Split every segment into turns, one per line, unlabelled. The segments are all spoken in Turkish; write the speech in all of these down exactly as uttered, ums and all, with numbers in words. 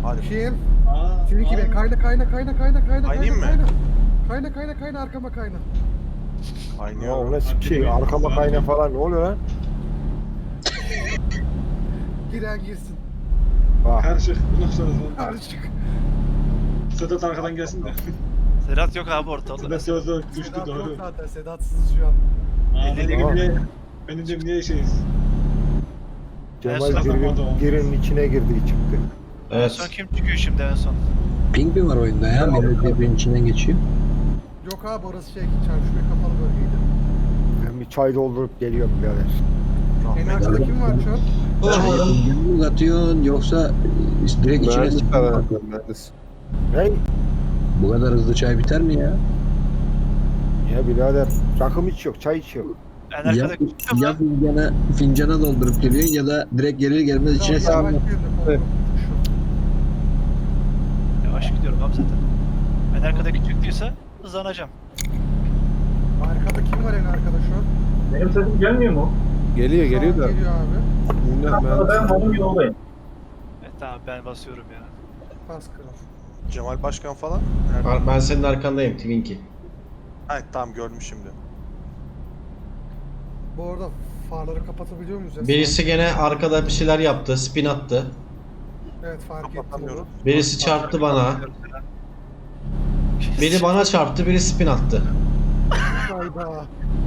Hadi.
Kim?
Aa,
Seninki be. Kayna kayna kayna kayna kayna
Kaynayayım
kayna
mı?
kayna. Kayna kayna kayna arkama kayna.
Ya
Kaynıyor.
o ne sikeyim arkama kayna falan ne oluyor lan?
Giren girsin.
Bak
Karışık. Bundan sonra sonra.
Karışık.
Sedat arkadan gelsin de.
Sedat yok abi ortalıkta.
Sedat sözde düştü
Sedat yok
doğru.
zaten. Sedatsız şu an.
Aa,
Elli
benim
lira.
niye, benim de niye şeyiz?
Cemal
En son
girin,
zamanda
girin içine girdi çıktı.
En
Evet.
son kim çıkıyor şimdi en son?
Ping mi var oyunda ya? Millet birbirinin içinden geçiyor.
Yok abi orası şey çarşıya kapalı bölgeydi.
Ben bir çay doldurup geliyorum birader.
En
Rahmet.
arkada kim var şu an?
Çayı mı uzatıyorsun yoksa direkt içine
Mühendis
sıkıyorsun?
aranıyor, mühendis.
Hey
Bu kadar hızlı çay biter mi ya?
ya birader rakım hiç yok çay hiç yok.
En
Ya,
arkada kim
ya
lan?
fincana, fincana doldurup geliyorsun ya da direkt gelir gelmez içine
Biraz yavaş
sıkıyorsun.
girin de kontrol şu.
Yavaş gidiyorum abi zaten. En arkadaki çıktıysa hızlanacağım.
Arkada kim var en arkada şu an?
Benim sesim gelmiyor mu?
Geliyor
Şu an
geliyor da.
Geliyor abi.
Bilmem
Ama ben
mühendis.
malum yoldayım.
Evet tamam ben basıyorum ya.
Pas kral.
Cemal Başkan falan. Nerede?
Ah. Ah. Ben senin arkandayım Twinkie.
Ha, tamam gördüm şimdi.
Bu arada farları kapatabiliyor muyuz? ya?
Birisi gene arkada bir şeyler yaptı, spin attı.
Evet fark ettim
Kapatamıyorum.
onu.
Birisi çarptı bana. Biri bana çarptı, biri spin attı.
Hayda.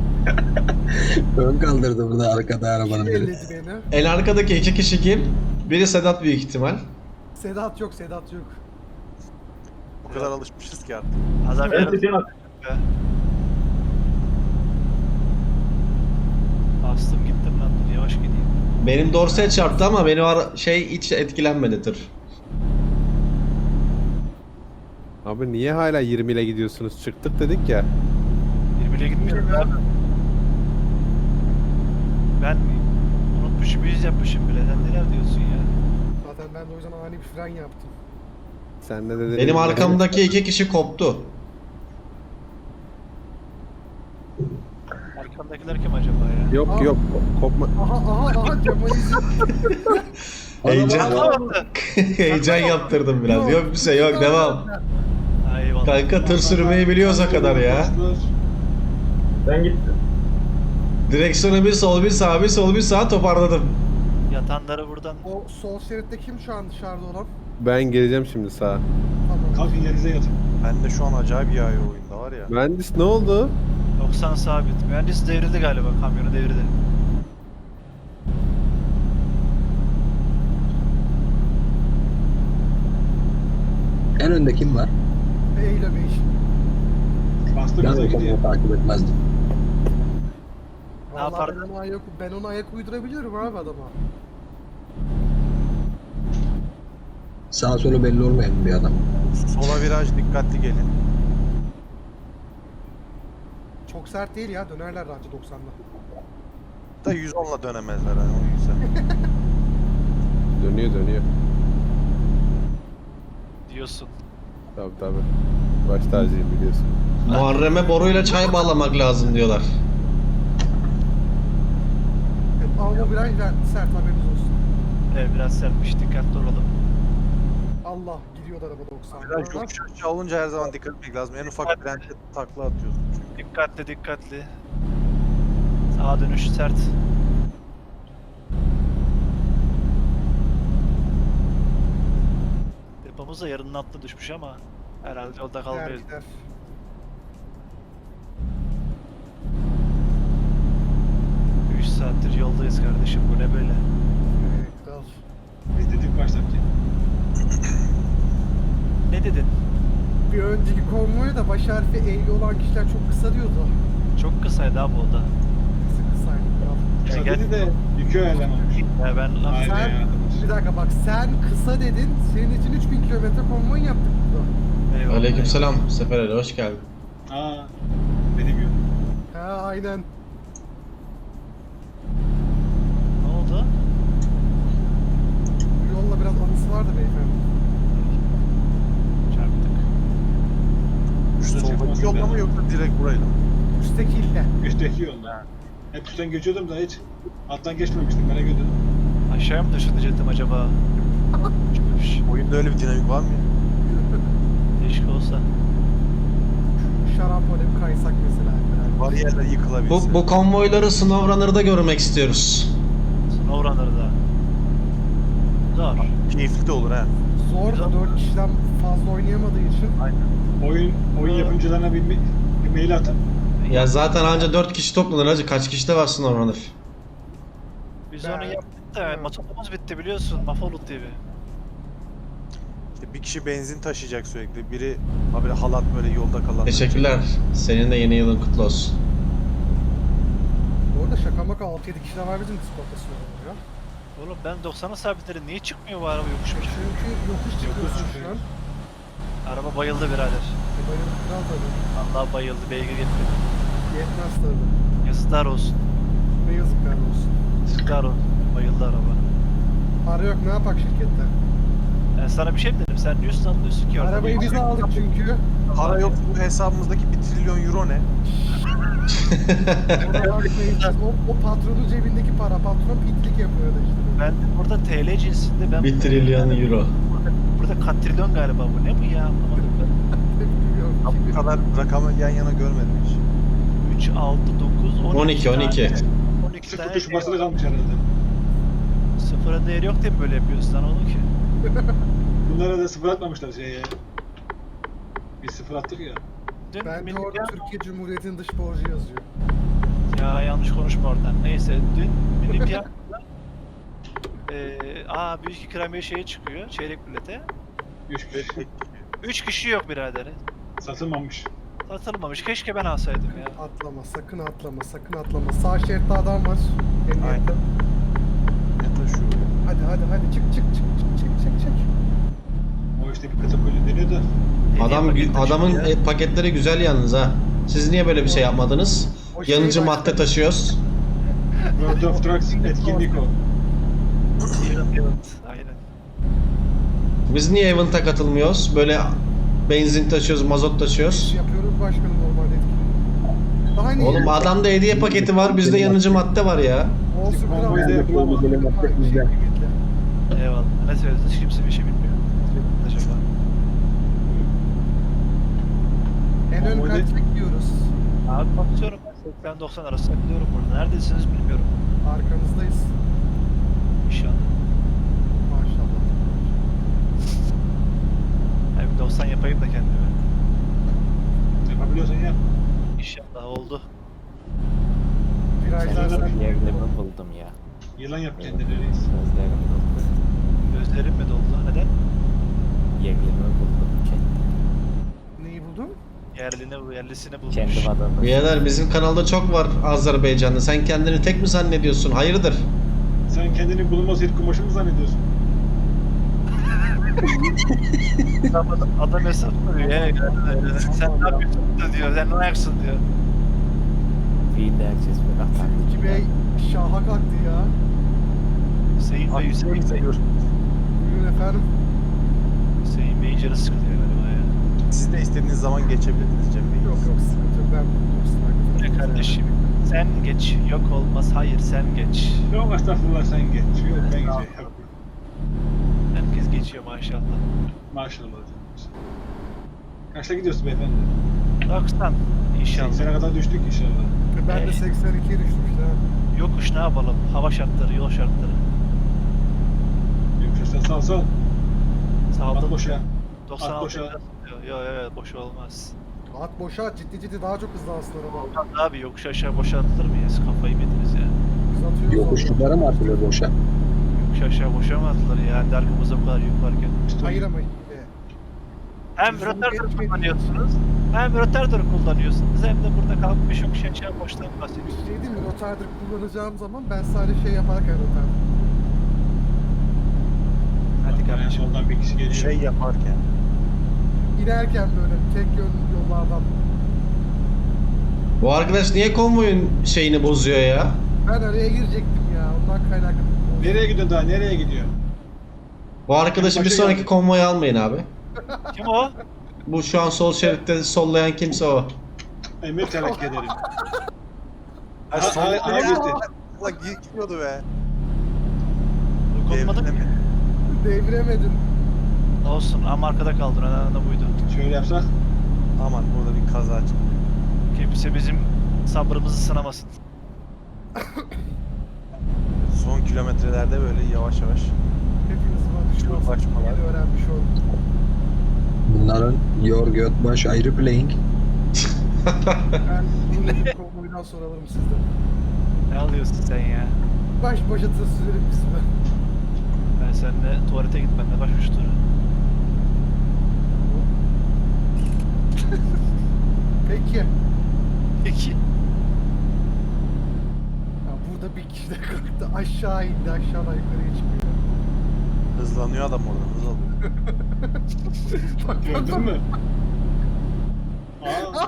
Ön kaldırdı burada arkada arabanın
Kim
biri.
elledi beni?
En arkadaki iki kişi kim? Biri Sedat büyük ihtimal.
Sedat yok, Sedat yok.
O kadar alışmışız ki artık.
Azar
Ben
yarım
sesim
be. Bastım gittim lan dur yavaş gideyim.
Benim dorse çarptı ama benim ara- şey hiç etkilenmedi tır.
Abi niye hala yirmi ile gidiyorsunuz? Çıktık dedik ya.
Birbirine gitmiştim abi. Ben unutmuşum yüz yapmışım bile. Sen neler diyorsun ya?
Zaten ben de o yüzden ani bir fren yaptım.
Sen ne dedin?
Benim arkamdaki iki kişi koptu.
Arkamdakiler kim acaba ya?
Yok yok kopma.
Aha aha aha Cemal izin.
Heyecan,
Anlamadı.
heyecan yaptırdım biraz. Yok bir şey yok devam.
Ha, eyvallah.
Kanka tır sürmeyi biliyorsa kadar ya.
Ben gittim.
Direksiyonu bir sol bir sağ bir sol bir sağ toparladım.
Yatanları buradan
O sol şeritte kim şu an dışarıda olan?
Ben geleceğim şimdi sağa.
Tamam.
Kalkın yerinize yatın.
Ben de şu an acayip yağıyor oyunda var ya.
Mühendis ne oldu?
doksan sabit. Mühendis devrildi galiba. Kamyonu devirdi.
En önde kim var?
Eyle Bey.
Bastı
Ben
bize
o
gidiyor.
zaman takip etmezdim.
Ne
Vallahi
yapardın?
ben ona ayak, ben ona ayak uydurabiliyorum abi adama.
Sağ solu belli olmayan bir adam.
Sola viraj dikkatli gelin.
Çok sert değil ya, dönerler anca doksanla.
Da yüz onla dönemezler hani o yüzden.
Dönüyor dönüyor.
Diyorsun.
Tabi tabi. Baş tacıyım biliyorsun.
Muharrem'e boruyla çay bağlamak lazım diyorlar.
Evet, ama bu biraz sert haberiniz olsun.
Evet biraz sertmiş. Dikkatli olalım.
Allah gidiyor da araba doksan.
Viraj
Oradan
yokuş aşağı olunca her zaman dikkat etmek lazım. En ufak bir rente takla atıyorsun çünkü.
Dikkatli dikkatli. Sağa dönüş sert. Depomuz da yarının altına düşmüş ama herhalde yolda
gider
kalmayız.
gider.
üç saattir yoldayız kardeşim. Bu ne böyle?
Evet, kral.
Biz dedik baştaki.
Ne dedin?
Bir önceki konvoya da baş harfi E'li olan kişiler çok kısa diyordu.
Çok kısaydı abi o da.
Kısa kısaydı kral.
Kısa
gel-
dedi de yükü ayarlamamış.
Ya ben lan
Aynen
Sen,
ya.
bir dakika bak sen kısa dedin, senin için üç bin kilometre konvoy yaptık burada.
eyvallah.
Aleykümselam Sefer Ali hoş geldin.
Aa, benim yok.
Ha aynen.
Ne oldu?
Bu yolla biraz anısı vardı beyefendi.
Çarptık.
Şu
Şurada
soldaki
çıkmasın
yolda
ben.
mı yoksa direkt burayla mı?
Üsttekiyle.
Üstteki yolda. Hep üstten geçiyordum da hiç alttan geçmemiştim. Merak ediyordum.
Aşağıya mı taşınacaktım acaba? Çıkmış.
Oyunda Bende öyle bir dinamik var mı ya?
Keşke olsa.
Şarampole bir kaysak mesela.
Bariyerler yıkılabilse.
Bu, bu konvoyları SnowRunner'da görmek istiyoruz.
SnowRunner'da. Zor.
Keyifli de olur ha.
Zor da dört kişiden fazla oynayamadığı için.
Oyun oyun yapımcılarına bir, bir mail atın.
Ya zaten anca dört kişi toplanır hacı. Kaç kişi de var SnowRunner?
Biz
Ben-
onu yaptık da motorumuz bitti biliyorsun. Mafolut T V.
İşte bir kişi benzin taşıyacak sürekli. Biri ha böyle halat böyle yolda kalan.
Teşekkürler. Senin de yeni yılın kutlu olsun.
Bu arada şaka maka altı yedi kişiden var bizim Discord'da sınırlı ya.
Oğlum ben doksana sabitlerim. Niye çıkmıyor bu araba yokuşmuş?
Çünkü yokuş çıkıyorsun şu an.
Araba bayıldı birader.
E bayıldık kral tabii.
Allah bayıldı. Beygir yetmedi.
Yetmez tabii.
Yazıklar olsun.
Ne yazıklar olsun.
Yazıklar olsun. Bayıldı araba.
Para yok ne yapak şirkette?
Ben sana bir şey mi dedim? Sen niye anlıyorsun ki orada?
Arabayı biz aldık çünkü.
Para yok, bu hesabımızdaki bir trilyon euro ne?
Ona bakmayacağız. O, o patronun cebindeki para. Patron pitlik yapıyor da işte.
Ben burada T L cinsinde ben...
bir trilyon euro.
Burada katrilyon galiba bu. Ne bu ya? Anlamadım ben.
Bilmiyorum.
Bu kadar rakamı yan yana görmedim hiç.
üç, altı, dokuz,
on iki, on iki.
on iki
Sıfır
tane
tuş
şey
basılı
var.
kalmış herhalde.
Sıfıra değeri yok diye mi böyle yapıyorsun sen onu ki?
Bunlara da sıfır atmamışlar şeye. Biz sıfır attık ya.
Dün
Bence
milli
orada
piyango-
Türkiye Cumhuriyeti'nin dış borcu yazıyor.
Ya yanlış konuşma oradan. Neyse dün milli piyangoda eee aa büyük ikramiye şeye çıkıyor. Çeyrek bilete.
Üç kişi.
üç kişi yok birader.
Satılmamış.
Satılmamış. Keşke ben alsaydım ya.
Atlama, sakın atlama, sakın atlama. Sağ şeritte adam var. Emniyette.
Aynen. Ne taşıyor ya?
Hadi hadi hadi çık çık çık çık çık çık çık.
O işte bir kategori deniyor da.
Adam adamın e, paketleri güzel yalnız ha. Siz niye böyle bir şey yapmadınız?
O şey
Yanıcı
başka-
madde taşıyoruz.
World of Trucks etkinlik o.
Evet, aynen.
Biz niye event'a katılmıyoruz? Böyle benzin taşıyoruz, mazot taşıyoruz.
Yapıyoruz başkanım normalde etkinliği. Daha niye?
Oğlum adamda hediye paketi var, bizde yanıcı madde var ya.
Olsun
Bizim
kral.
konvoyda
Yani.
yapılamaz.
Aynı şey kıymetli.
Eyvallah. Ne söylediniz? Hiç kimse bir şey bilmiyor. Acaba.
En ön
Konvoyda-
kaç bekliyoruz?
Abi bakıyorum ben seksen doksan arası gidiyorum burada. Neredesiniz bilmiyorum.
Arkanızdayız.
İnşallah.
Maşallah.
Yani bir doksan yapayım da kendime.
Yapabiliyorsan yap.
İnşallah oldu.
Virajlar sen.
Yerlerimi buldum ya.
Yılan yap kendini reis.
Gözlerim doldu.
Gözlerim mi doldu? Neden?
Yerlerimi buldum. Kendi,
Neyi buldun?
Yerlini, yerlisini bulmuş.
kendi vatandaşım.
Birader bizim kanalda çok var Azerbaycanlı. Sen kendini tek mi zannediyorsun? Hayırdır?
Sen kendini bulunmaz ilk kumaşı mı zannediyorsun?
Adam, adam hesap soruyor ya. Sen ne yapıyorsun diyor. Sen ne ayaksın diyor.
Fiilde herkes bir atar.
İki bey şaha kalktı ya.
Hüseyin Bey, Hüseyin Bey.
Buyurun efendim.
Hüseyin Bey'in canı sıkılıyor galiba ya.
Siz de istediğiniz zaman geçebilirsiniz Cem Bey.
Yok yok sıkıntı yok. Ben buldum.
Ne kardeşim? Sen geç. Yok olmaz. Hayır sen geç.
Yok estağfurullah sen geç. Yok ben geçeyim.
Herkes geçiyor maşallah.
Maşallah. Kaçta gidiyorsun beyefendi?
doksan inşallah.
seksene kadar düştük inşallah.
Ben de seksen ikiye düştüm işte.
Yokuş ne yapalım? Hava şartları, yol şartları.
Yoksa sağ sağ.
Sağda
At boşa.
doksan
at
altı
boşa.
diyor. Yok evet boş olmaz.
At boşa ciddi ciddi daha çok hızlı alsın araba.
Olmaz abi yokuş aşağı boşa atılır mı ya? Siz kafayı mı yediniz ya?
Biz atıyoruz
Yokuşluklara mı atılıyor boşa?
Yokuş aşağı boşa mı atılır ya? Hadi arkamıza bu kadar yük varken.
orada. Hayır ama e,
Hem
Biz onu
rotardır
geçmedik.
kullanıyorsunuz, hem rotardır kullanıyorsunuz, hem de burada kalkmış yokuş aşağı boştan
bir
bahsediyorsunuz.
şey değil mi? Rotardır kullanacağım zaman ben sadece şey yaparken rotardır.
Hadi
Yani
kardeşim.
soldan bir kişi geliyor.
Şey yaparken.
İnerken böyle tek yön yollardan.
Bu arkadaş niye konvoyun şeyini bozuyor ya?
Ben araya girecektim ya. Ondan kaynaklı.
Nereye gidiyorsun daha? Nereye gidiyor?
Bu arkadaşı bir sonraki konvoya almayın abi.
Kim o?
Bu şu an sol şeritte sollayan kimse o.
Emir tevekkül ederim.
Ha,
Ha,
son
ha, ha, gitti.
Allah gidiyordu be.
Dokunmadım ki.
Devrilemedi.
Deviremedim.
Olsun ama arkada kaldın. Önemli de buydu.
Şöyle yapsak.
Aman burada bir kaza çıktı.
Kimse bizim sabrımızı sınamasın.
Son kilometrelerde böyle yavaş yavaş.
Hepiniz bakış
Çok
olsun.
saçmalar.
Yeni öğrenmiş oldum.
Bunların Yor Götbaş ayrı playing.
Ben bunu bir konvoydan sonra alırım sizden.
Ne alıyorsun sen ya?
Baş başa tır sürerim kısmı.
Ben seninle tuvalete gitmenle başmış tura.
Peki. Ya
Peki.
burada bir kişi de kalktı. Aşağı indi. Aşağıdan yukarıya çıkıyor.
Hızlanıyor adam orada. Hız alıyor.
Bak, bak,
Gördün
bak.
mü? Aa,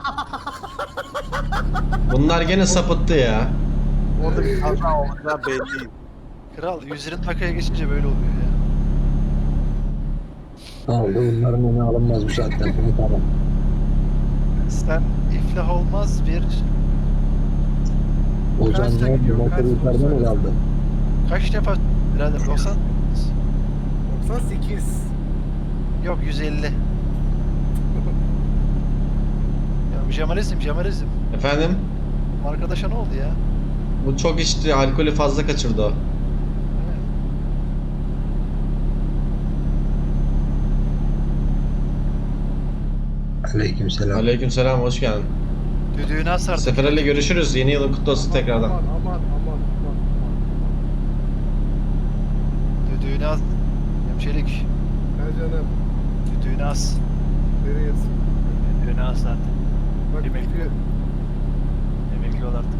Bunlar gene sapıttı ya.
Orada bir kaza olacağı belli.
Kral yüz yirmi dakikaya geçince böyle oluyor ya.
Ne oldu? Bunların önü alınmaz bu saatten sonra tamam.
Sen iflah olmaz bir
Ozan
Kaçta
ne oldu?
gidiyor?
Motor
Kaç
yukarıdan
soru
mı aldı?
kaç defa birader doksan
doksan sekiz.
yok yüz elli. Ya Jamalizm Jamalizm.
Efendim?
Arkadaşa ne oldu ya?
Bu çok içti, alkolü fazla kaçırdı o.
Aleykümselam.
Aleykümselam, hoş geldin.
Düdüğünü asardık.
Seferelle görüşürüz. Yeni yılın kutlu olsun tekrardan.
Aman aman aman aman.
Düdüğünü as. Hemşerik.
Ha canım.
Düdüğünü as.
Nereyesin?
Düdüğünü as artık.
Bak
Yemek.
gidiyor.
Emekli ol artık.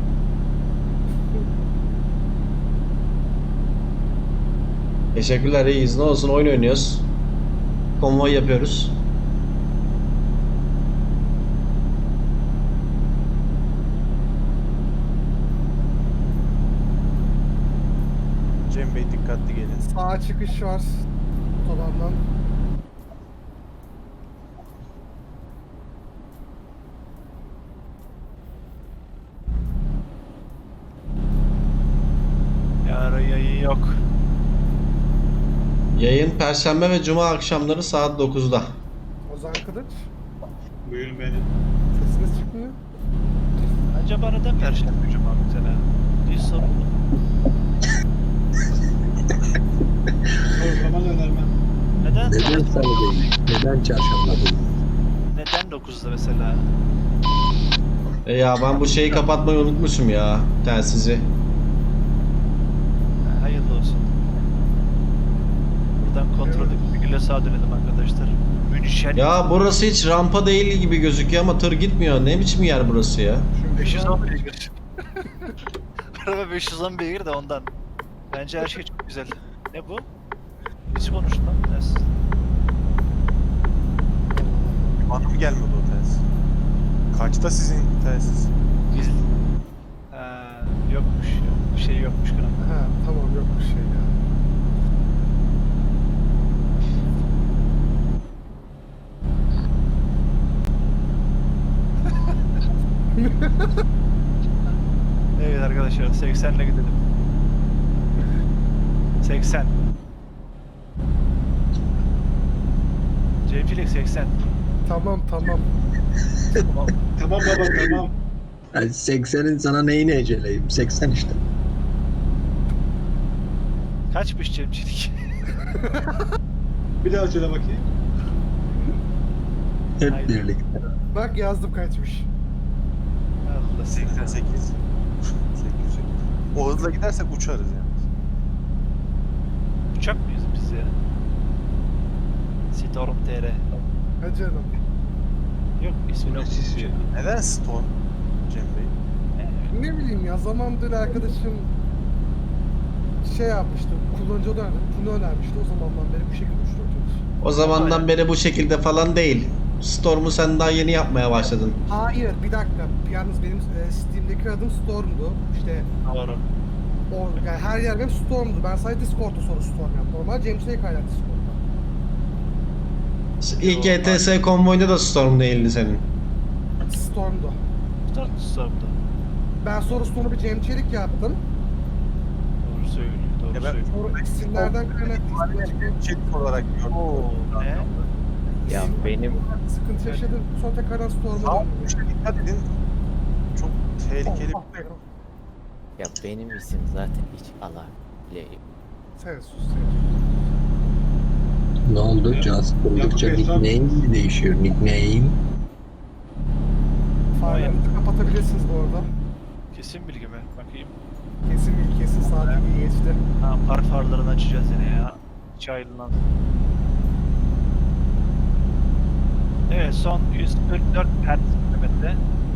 Teşekkürler, iyiyiz. Ne olsun, oyun oynuyoruz. Konvoy yapıyoruz.
Cem Bey dikkatli gelin.
Sağa çıkış var. Otobandan.
Yarın yayın yok.
Yayın Perşembe ve Cuma akşamları saat dokuzda.
Ozan Kılıç.
buyurun beni.
Sesiniz çıkmıyor.
Acaba neden Perşembe Cuma mesela? Bir sorun mu?
Sorgulama da önermem.
Neden?
Neden salı değil? Neden çarşamba değil?
Neden dokuzda mesela?
E ya ben bu şeyi kapatmayı unutmuşum ya, telsizi.
Ha, hayırlı olsun. Buradan kontrol edip bir güle sağa dönelim arkadaşlar. Münişen.
Ya burası hiç rampa değil gibi gözüküyor ama tır gitmiyor. Ne biçim yer burası ya?
beş yüz on beygir. Araba beş yüz on beygir de ondan. Bence her şey çok güzel. Ne bu? Hiç konuştu lan. Ters.
Bana mı gelmedi o telsiz? Kaçta sizin telsiz?
Biz... Ha, yokmuş. Yok. Bir şey yokmuş kral.
Ha tamam yok bir şey ya.
Evet arkadaşlar seksenle gidelim. seksen. Cemcilik seksen.
Tamam tamam.
Tamam.
Tamam baba tamam.
Yani seksenin sana neyini eceleyim? seksen işte.
Kaçmış Cemcilik?
Bir daha söyle bakayım.
Hep
Haydi.
birlikte.
Bak yazdım kaçmış.
Allah
seksen sekiz. sekiz yüz. O hızla gidersek uçarız yani.
Uçak mıyız biz ya? Storm T R.
Ha canım.
Yok ismini
Bu ne
okudum.
sisi ya?
Neden Stone Cem Bey?
Ne bileyim ya zamandır arkadaşım şey yapmıştı. Kullanıcı önerdi. Bunu önermişti. O zamandan beri bu şekilde uçuruyoruz.
O zamandan beri bu şekilde falan değil. Storm'u sen daha yeni yapmaya başladın.
Hayır bir dakika. Yalnız benim e, Steam'deki adım Storm'du. İşte
Doğru.
o, yani her yer benim Storm'du. Ben sadece Discord'da sonra Storm yaptım. Normal James'e kaynak Discord'da.
İlk E T S konvoyunda da Storm değildi senin.
Storm'du.
Storm Storm'da.
Ben sonra Storm'u bir Cem Çelik yaptım.
Doğru söylüyor. Doğru
Ya ben-
söylüyorsun.
Sonra isimlerden kaynaklı
Çek olarak gördüm.
Oo, ne?
Ya benim
sıkıntı yaşadım. Sonra tekrardan Storm'a
Sağ
döndüm.
tuşa dikkat edin. Çok tehlikeli
Oh,
bir
ah be.
ya benim isim zaten hiç ala bile yok.
Sen sus sen.
Ne oldu? Caz kurdukça
Yakup Bey, son-
nickname mi değişiyor? Nickname.
Farlarınızı kapatabilirsiniz bu arada.
Kesin bilgi mi? Bakayım.
Kesin bir kesin saat iyi geçti.
Ha, park farlarını açacağız yine ya. Hiç ayrılmaz. Evet, son yüz kırk dört hertz kilometre.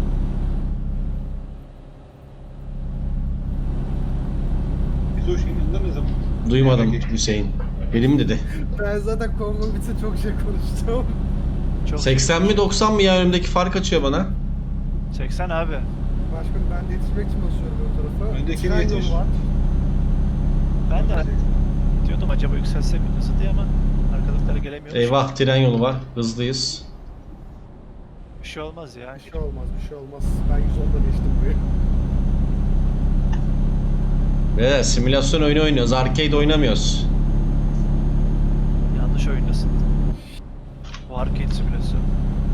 Biz o şeyin yanında ne zaman?
Duymadım Hüseyin. Benim dedi.
Ben zaten konvo bitse çok şey konuştum.
Çok
seksen mi doksan mı ya, önümdeki fark açıyor bana.
seksen abi.
Başkanım ben de yetişmek için basıyorum o tarafa.
Öndeki
Tren
yetiş.
yolu var.
Ben de diyordum acaba yükselsek mi hızlı diye ama arkadaşlara gelemiyor.
Eyvah, tren yolu var. Hızlıyız.
Bir şey olmaz ya.
Bir şey olmaz bir şey olmaz. Ben yüz onda geçtim buraya.
Ve simülasyon oyunu oynuyoruz. Arcade oynamıyoruz.
Yanlış oyundasın. Bu arcade simülasyon.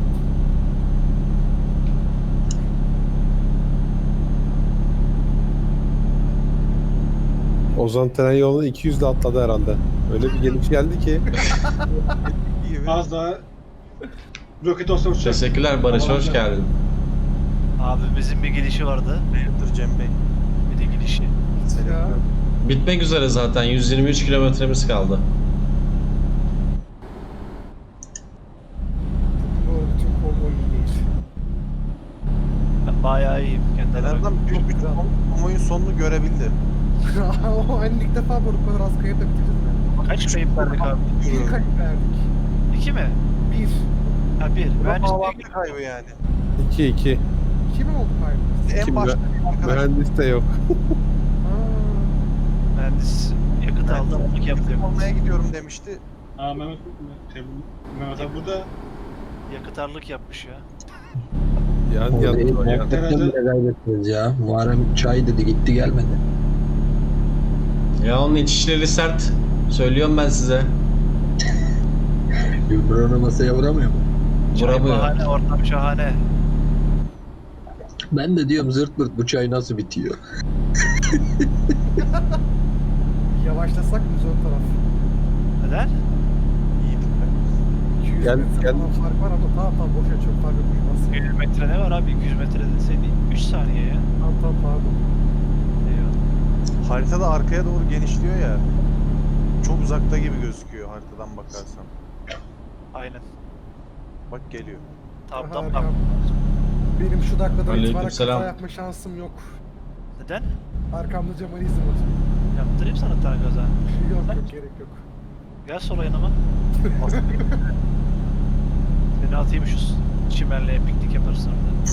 Ozan tren yolunu iki yüzle atladı herhalde. Öyle bir gelip geldi ki.
gibi.
Az daha roket olsa uçacak.
Teşekkürler Barış, hoş geldin.
Abimizin bir gelişi vardı.
Hayırdır Cem Bey?
Bir de gelişi.
Ya.
Bitmek üzere zaten. yüz yirmi üç kilometremiz kaldı.
Bu arada bütün konvo iyi değil.
Ben bayağı iyiyim. Kendi
En
adıma.
azından bir, bir kamuoyun sonunu görebildi.
O hani ilk defa bu kadar az kayıp da bitireceğiz mi?
Kaç kayıp verdik abi?
Bir kayıp verdik.
İki mi?
Bir.
Ha bir.
Bu da
Ben
bağlantı
işte
kaybı yani.
iki iki.
İki mi oldu kaybımız?
En
Kim
başta bir arkadaş
Mühendis de yok.
Aa,
mühendis yakıt aldı aldık yaptı.
olmaya gidiyorum demişti.
Aa Mehmet, şey, Mehmet abi burada.
Yakıtarlık yapmış ya.
Yan
Orada
yan. yan.
muhabbetten bile kaybettiniz ya. Muharrem çay dedi gitti gelmedi.
Ya onun içişleri sert. Söylüyorum ben size.
Gülbür onu masaya vuramıyor mu?
Çay
Vuramıyor.
bahane, ortam şahane.
Ben de diyorum zırt pırt bu çay nasıl bitiyor?
yavaşlasak mı ön taraf?
Neden?
İyiydik be.
iki yüz
Gel-
metre
gel.
falan fark var ama tamam tamam boşa çok fark yokmuş bas.
yüz metre ne var abi? iki yüz metre deseydi üç saniye ya.
Tamam tamam pardon.
Eyvallah.
Haritada arkaya doğru genişliyor ya. Çok uzakta gibi gözüküyor haritadan bakarsan.
Aynen.
Bak geliyor.
Tam
Aha,
tam
arkam.
tam.
Benim şu dakikadan itibaren
Aleykümselam.
kaza yapma şansım yok.
Neden?
Arkamda Cemal'izm var.
Yaptırayım sana tane gaza.
Yok yok gerek yok.
Gel sol yanıma. Seni atayım şu çimenliğe piknik yaparsın orada.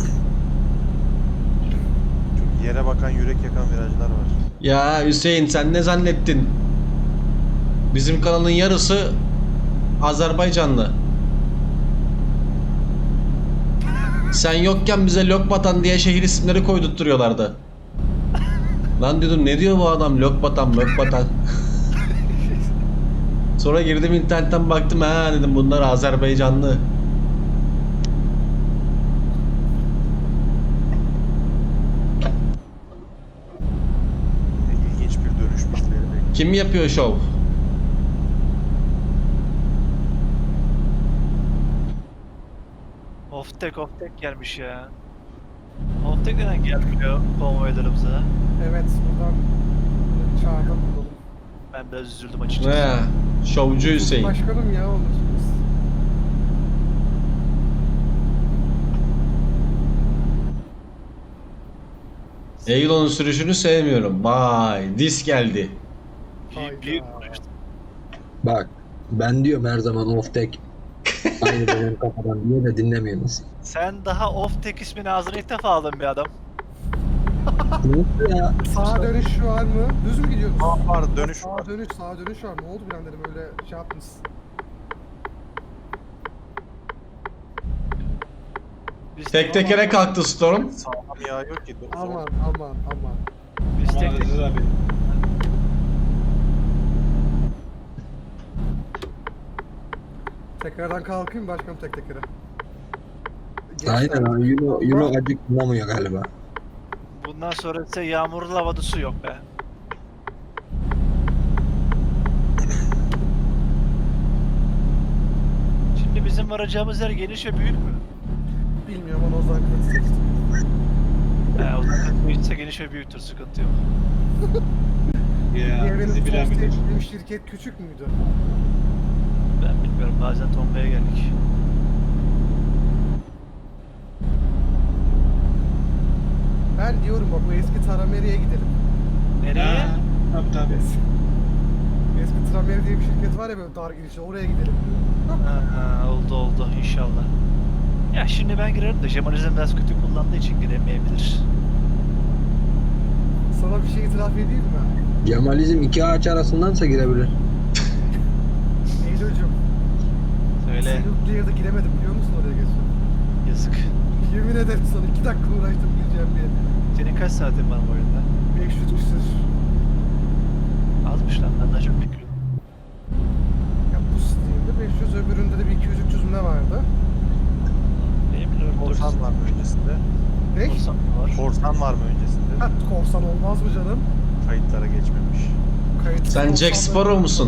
Çok yere bakan yürek yakan virajlar var.
Ya Hüseyin, sen ne zannettin? Bizim kanalın yarısı Azerbaycanlı. Sen yokken bize Lokbatan diye şehir isimleri koydurtturuyorlardı. Lan diyordum, ne diyor bu adam? Lokbatan, Lokbatan. Sonra girdim internetten baktım, ha dedim bunlar Azerbaycanlı.
İlginç bir dönüş bizleri bekliyor.
Kim yapıyor şov?
Oftek oftek gelmiş ya. Oftek neden gelmiyor konvoylarımıza?
Evet buradan çağırda bulalım.
Ben biraz üzüldüm açıkçası.
He, şovcu Hüseyin.
Başkanım ya olursunuz.
Eylon'un sürüşünü sevmiyorum. Vay, dis geldi.
Büyük, büyük konuştum.
Bak ben diyorum her zaman off tek. Aynı benim kafadan diye de dinlemiyorsunuz.
Sen daha oftek ismini ağzına ilk defa aldın bir adam.
Nasıl ya?
Sağa dönüş var mı? Düz mü gidiyoruz?
Aa, var dönüş var.
Sağa dönüş, sağa dönüş var. Ne oldu bir an dedim öyle şey yaptınız.
Biz
Tek tekere kalktı Storm.
Sağlam yağ yok ki.
Aman aman aman.
Biz
Aman
tek tek
Aziz abi.
Tekrardan kalkayım başkanım tek tekere.
Aynen abi. Euro, Euro acık kullanmıyor galiba.
Bundan sonra ise yağmurlu havada su yok be. Şimdi bizim varacağımız yer geniş ve büyük mü?
Bilmiyorum onu o zaman kıtı seçtim.
He, o zaman büyükse geniş ve büyüktür, sıkıntı yok.
Ya
Diğer benim
bizi bilen
son
bilir.
seçtiğim şirket küçük müydü?
Ben bilmiyorum, bazen tombaya geldik.
Ben diyorum bak o eski Trameri'ye gidelim.
Nereye?
Ha, tabii tabii.
Eski Trameri diye bir şirket var ya böyle dar girişli oraya gidelim.
Ha, ha, oldu oldu inşallah. Ya şimdi ben girerim de Jemalizm biraz kötü kullandığı için giremeyebilir.
Sana bir şey itiraf edeyim mi?
Cemalizm iki ağaç arasındansa girebilir.
Eylül'cüm.
Söyle,
Nuclear'da giremedim biliyor musun oraya geçen?
yazık.
Yemin ederim sana iki dakika uğraştım gireceğim diye.
Senin kaç saatin var bu oyunda?
beş yüz küsür.
Azmış lan, ben daha çok bekliyordum.
Ya bu Steam'de beş yüz öbüründe de bir iki yüz üç yüz mü ne vardı?
Benim biliyorum.
Korsan var mı öncesinde?
Ne?
Korsan var.
Korsan var mı öncesinde?
Ha korsan olmaz mı canım?
Kayıtlara geçmemiş.
Kayıtsız
Sen Jack
korsanlar-
Sparrow musun?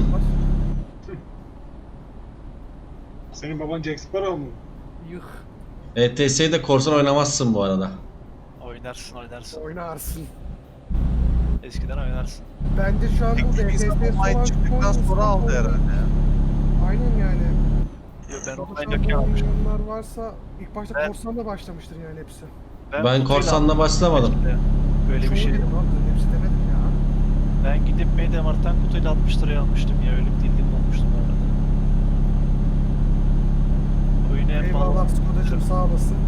Senin baban Jack Sparrow mu?
Yuh.
E T S'de korsan oynamazsın bu arada.
Oynarsın oynarsın.
Oynarsın.
Eskiden oynarsın.
Bence şu an bu D T S
Activision Online çıktıktan sonra aldı herhalde ya.
Aynen yani.
Yo, ben
Şu
online
an
yokken almıştım.
oynayanlar varsa ilk başta
Ben-
korsanla başlamıştır yani hepsi.
Ben
kutuyla
korsanla
aldım.
başlamadım.
Böyle bir
Çoğu
şey.
dedim abi, hepsi demedim ya.
Ben gidip Mediamarkt'tan kutuyla altmış liraya almıştım ya, öyle bir dildim olmuştum arada. Oyunu en
Eyvallah
pahalı.
Skodacığım sağ olasın.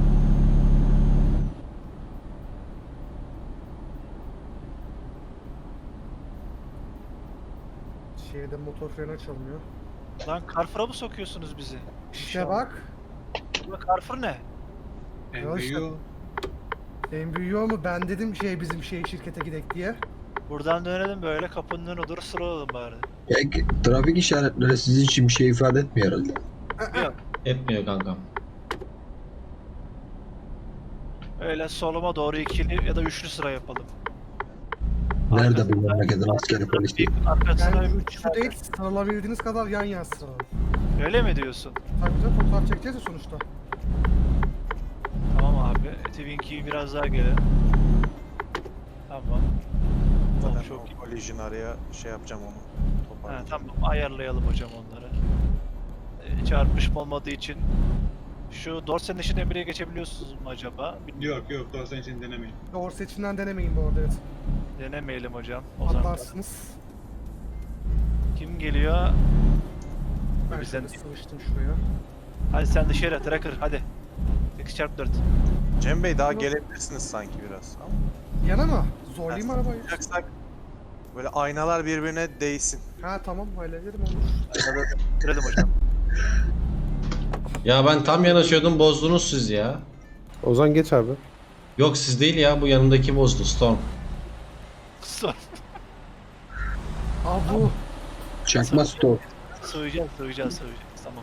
Şeyde motor freni açılmıyor.
Lan Carrefour'a mı sokuyorsunuz bizi?
İşte bak.
Ulan Carrefour ne?
En
Ya işte.
büyüğü.
En büyüğü o mu? Ben dedim şey bizim şey şirkete gidek diye.
Buradan dönelim böyle, kapının önüne doğru sıra alalım bari.
Peki trafik işaretleri sizin için bir şey ifade etmiyor herhalde.
Yok.
Etmiyor kankam.
Öyle soluma doğru ikili ya da üçlü sıra yapalım.
Nerede
Arkasına-
bu memleketin askeri polisi?
Arkasına
Yani
bir
üçlü değil sıralabildiğiniz kadar yan yan sıralayın.
Öyle mi diyorsun?
Tabii canım fotoğraf çekeceğiz ya sonuçta.
Tamam abi. Twinkie biraz daha geri. Tamam.
Zaten
Tamam, çok iyi.
o collision araya şey yapacağım onu.
Ha,
Toparlayacağım.
tamam, ayarlayalım hocam onları. Ee, çarpışma olmadığı için şu dorsenin işin emriye geçebiliyorsunuz mu acaba? Bilmiyorum.
Yok yok doğru sen şimdi denemeyin.
Doğru seçimden denemeyin bu arada evet.
Denemeyelim hocam. O zaman
Atlarsınız.
kim geliyor?
Ben
Bizden
şöyle
değil.
sıvıştım şuraya.
Hadi sen dışarı tracker hadi. sekiz çarpı dört.
Cem Bey daha gelebilirsiniz sanki biraz. Ama
Yana mı? Zorlayayım arabayı.
yapacaksak böyle aynalar birbirine değsin.
Ha tamam hallederim olur.
Girelim hocam.
Ya ben tam yanaşıyordum, bozdunuz siz ya.
Ozan geç abi.
Yok siz değil ya, bu yanındaki bozdu Storm.
Sor.
Aa bu.
Çakma stop.
Sığacağız, sığacağız, sığacağız. Tamam.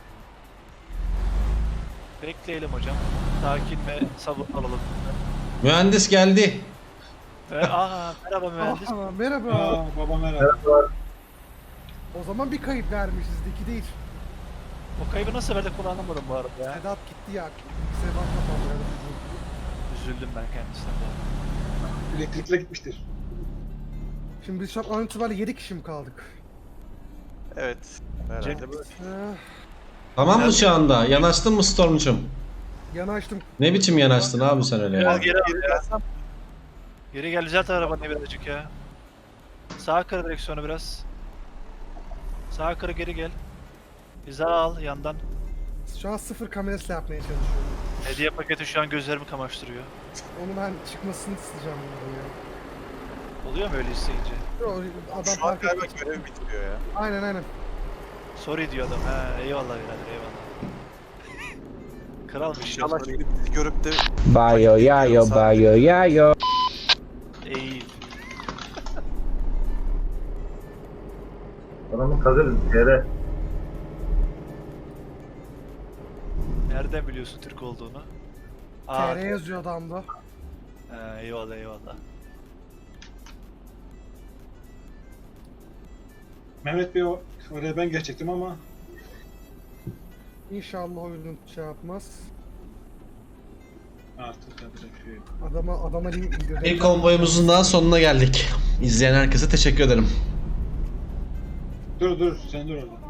Bekleyelim hocam. Sakin ve sabır alalım.
Mühendis geldi.
Ee, aa, merhaba mühendis.
Aa, merhaba.
Aa baba merhaba.
O zaman bir kayıp vermişiz iki değil.
O kaybı nasıl verdik onu anlamadım bu arada ya.
Sedat gitti ya. Sedat kapandı.
Üzüldüm ben kendisine bu arada.
Elektrikle gitmiştir.
Şimdi biz şu an an itibariyle yedi kişi mi kaldık?
Evet. Herhalde
Cem-
böyle.
Ee,
Tamam mı şu anda? Yanaştın mı Storm'cum?
yanaştım.
Ne biçim yanaştın abi sen öyle ya?
Biraz geri al ya. Geri gel, düzelt arabanı birazcık ya. Sağa kır direksiyonu biraz. Sağa kır, geri gel. Hiza al yandan.
Şu an sıfır kamerasıyla yapmaya çalışıyorum.
Hediye paketi şu an gözlerimi kamaştırıyor.
Onu ben çıkmasını isteyeceğim bundan ya.
Oluyor mu öyle isteyince?
Yo, adam
Şu an
fark
galiba
etmez.
görev bitiriyor ya.
Aynen aynen.
Sorry diyor adam. He eyvallah birader eyvallah. Kralmış ya.
İnşallah
Sorry.
şimdi bizi görüp de
Bayo yayo bayo yayo.
Eğil.
Adamı kazırız yere.
Nereden biliyorsun Türk olduğunu?
T R yazıyor adamda.
He, eyvallah eyvallah.
Mehmet Bey o- oraya ben geçecektim ama
İnşallah oyunun şey yapmaz.
artık yapacak bir şey yok.
Adama adama link indirdim.
Bir konvoyumuzun daha sonuna geldik. İzleyen herkese teşekkür ederim.
Dur dur sen dur orada.